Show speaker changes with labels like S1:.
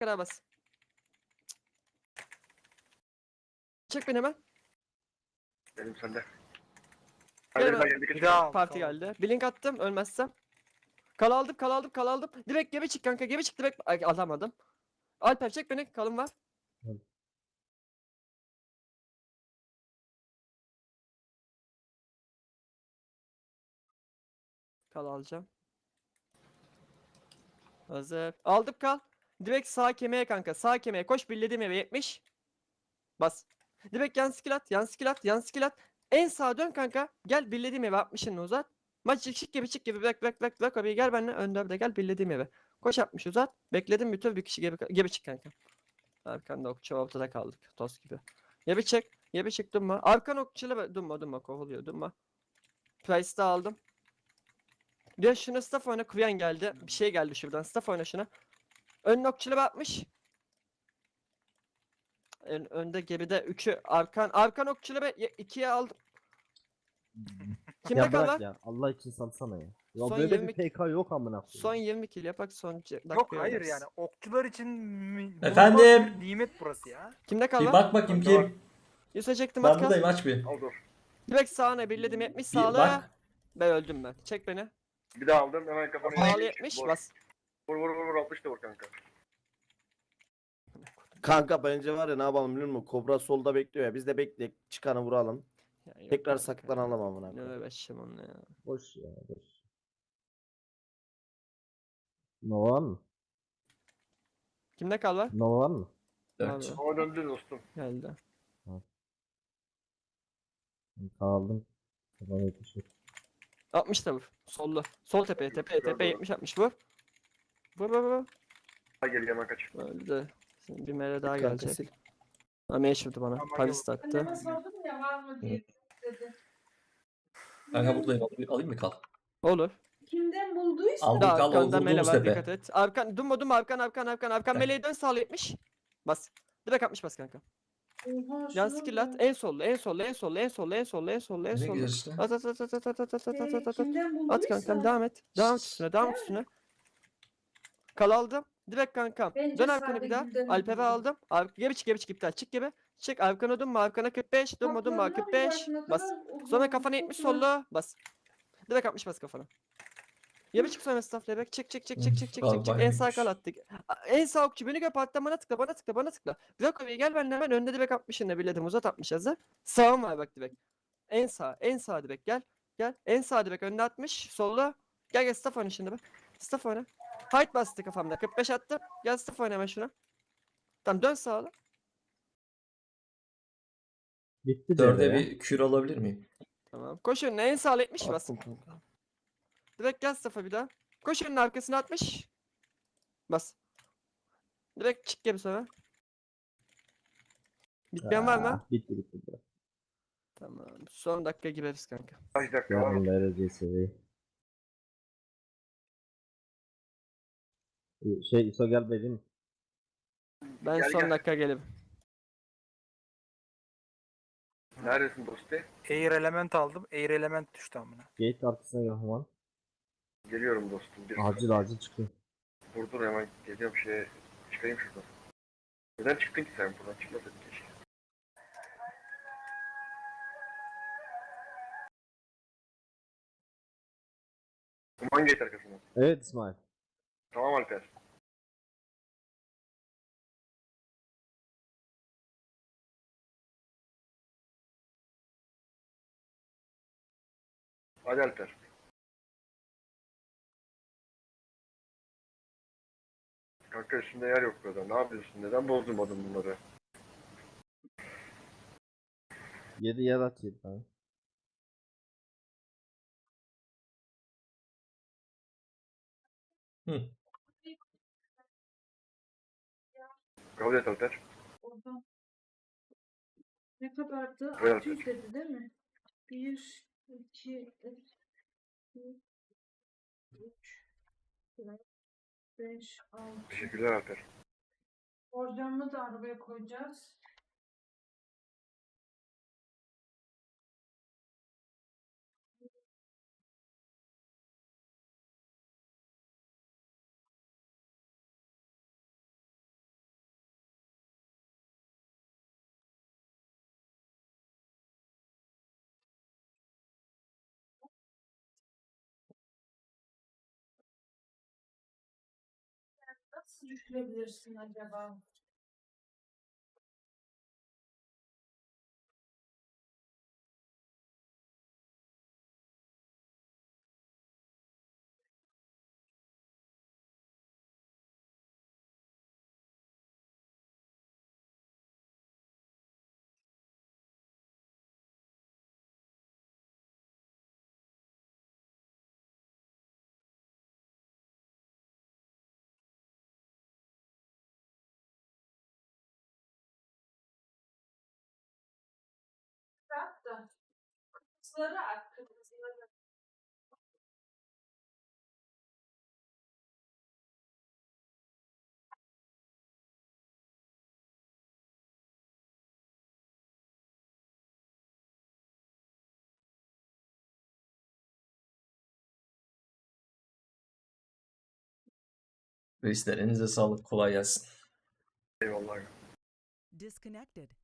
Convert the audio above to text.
S1: kadar bas. Çek beni hemen.
S2: Benim sende.
S1: Gel
S2: Hadi
S1: hemen.
S2: geldi
S3: Bir
S2: kaç.
S3: daha al.
S1: Parti
S3: tamam.
S1: geldi. Blink attım ölmezsem. Kal aldım. Direkt geri çık kanka. Geri çık direkt. Ay, alamadım. Alper çek beni. Kalın var.
S4: Evet.
S1: Kal alacağım. Hazır. Aldım kal. Direkt sağ kemiğe kanka. Sağ kemiğe koş. Birlediğim eve 70. Bas. Direkt yan skill at. Yan skill at. En sağa dön kanka. Gel birlediğim eve 60'ını uzat. Maç çık gibi. Bırak. Abi gel benimle. Önde de gel birlediğim eve. Koş 60 uzat. Bekledim bütün bir kişi geri çık kanka. Arkanda okçu ortada kaldık. Toz gibi. Geri çık durma. Arkan okçuyla durma. Kovuluyor durma. Price'da aldım. Diyor şuna staff oyna. Kuyen geldi. Bir şey geldi şuradan. Staff oyna şuna. Ön okçuyla batmış. Önde geride 3'ü arkan okçuyla 2'ye aldım. Kimde
S4: Ya
S1: kal
S4: bırak
S1: var?
S4: ya. Allah için salsana ya. Ya
S1: Son
S4: böyle
S1: 20
S4: bir PK yok amına
S1: Son
S4: koyayım.
S1: 20 kill yapak son dakika.
S3: Yok hayır yani okçular için
S5: Efendim?
S3: bulunmaz bir nimet burası ya.
S1: Kimde kal
S5: Bir
S1: var?
S5: bak bakayım
S2: Bende var.
S5: kim?
S1: Yusuf çektim
S5: Ben
S1: at kal.
S5: buradayım aç bir.
S2: Al dur.
S1: Direkt sağına birledim 70
S5: Bir
S1: sağla.
S5: bak.
S1: Ben öldüm ben. Çek beni.
S2: Bir daha aldım hemen kafana.
S1: Sağlı 70 bas.
S2: Vur 60 da vur kanka.
S6: Kanka bence var ya ne yapalım biliyor musun? Kobra solda bekliyor ya. Biz de bekleyek çıkanı vuralım.
S1: Ya yok
S6: Tekrar
S1: kanka.
S6: saklanalım amına
S1: Ne
S6: koyayım.
S1: uğraşacağım onunla ya.
S4: Boş ya boş. Nova var mı?
S1: Kimde kal var?
S4: Nova var mı?
S5: 4.
S1: Abi,
S2: Ama döndü dostum.
S1: geldi.
S4: Kaldım. Tamam yetişir.
S1: 60 da vur. Sollu. Sol tepeye 70 60 vur. Vur.
S2: Ha gel hemen kaç.
S1: Öldü. Şimdi bir mere daha
S6: Kanka
S1: gelecek.
S6: sil.
S1: Ama yaşadı bana.
S3: Ama
S1: Paris
S3: yok.
S1: attı.
S7: Anneme sordum ya var mı diye dedi.
S5: Kanka buradayım. Alayım mı kal?
S1: Olur.
S7: Kimden bulduysa
S5: Aldım
S1: Bir de
S5: kal
S1: arkanda mele
S5: vurduğumuz
S1: var
S5: tepe.
S1: dikkat et. Arkan durma arkan meleği dön sağlı 70. Bas. Direkt 60 bas kanka.
S7: oha
S1: Yan
S7: şuna
S1: skill at.
S7: bak.
S1: En sollu.
S5: Ne güzel işte.
S1: At.
S7: Kimden
S1: At
S7: bulduysa.
S1: kankam devam et. Devam et üstüne. Kal aldım. Direkt kankam.
S7: Bence
S1: Dön arkana bir daha.
S7: Saadetgül'den
S1: Alper'i
S7: buldum.
S1: aldım. Geri çık iptal. Çık gibi. Çık arkana dönme arkana 45. Dönme
S7: Kaplarına
S1: 45.
S7: bak, ne
S1: Bas.
S7: kadar
S1: Sonra
S7: uzun,
S1: kafana 70
S7: çok güzel.
S1: sollu. Bas. Direkt 60 bas kafana. Geri çık sonra staff level. Çık.
S5: Bayağı
S1: En sağ
S5: iyiymiş.
S1: kal attık. En sağ okçu beni gör parktan bana tıkla. Bırak oraya gel benimle hemen önde direkt 60'ını birledim uzat 60 hazır. Sağım var bak direkt. En sağ direkt gel. En sağ direkt önde 60 solda. Gel staff oyna şimdi bak. Staff oyna. Fight bastı kafamda 45 attım. Gel staff oyna hemen şuna. Tamam dön sağa.
S4: Bitti de
S5: 4'e
S4: ya.
S5: bir kür alabilir miyim?
S1: Tamam. Koş önüne en sağ 70 bas.
S6: Attım kanka.
S1: Direkt gel staff'a bir daha. Koş önüne arkasına 60. Bas. Direkt çık gibi sonra. Bitmeyen var mı?
S4: Bitti.
S1: Tamam. Son dakika gireriz kanka.
S2: Kaç dakika var.
S4: Yarın derecesi. Şey İso gel benim.
S1: Ben
S2: Gel,
S1: son
S2: gel.
S1: dakika gelirim.
S2: Neredesin dostu?
S3: Air element aldım. Air element düştü amına.
S4: Gate arkasına gel Human.
S2: Geliyorum dostum.
S4: Acil çıkın.
S2: Dur hemen geliyorum çıkayım şuradan. Neden çıktın ki sen buradan? Çıkmasaydın keşke. Kuman gate arkasına.
S4: Evet İsmail.
S2: Tamam Alper. Hadi Alper. Kanka üstünde yer yok burada. Ne yapıyorsun? Neden bozdurmadın bunları?
S4: 7 yer at 7 tane.
S5: Hı.
S2: Kabul et Alper.
S7: Oradan. Ne kadardı?
S2: Evet.
S7: 600 dedi değil mi? 1, 2, 3, 4, 5, 6.
S2: Teşekkürler Alper.
S7: Borcamını da arabaya koyacağız. nasıl düşürebilirsin acaba? Bırak da kırmızıları at, kırmızıları.
S5: Reisler elinize sağlık. Kolay gelsin.
S2: Eyvallah.
S8: Disconnected.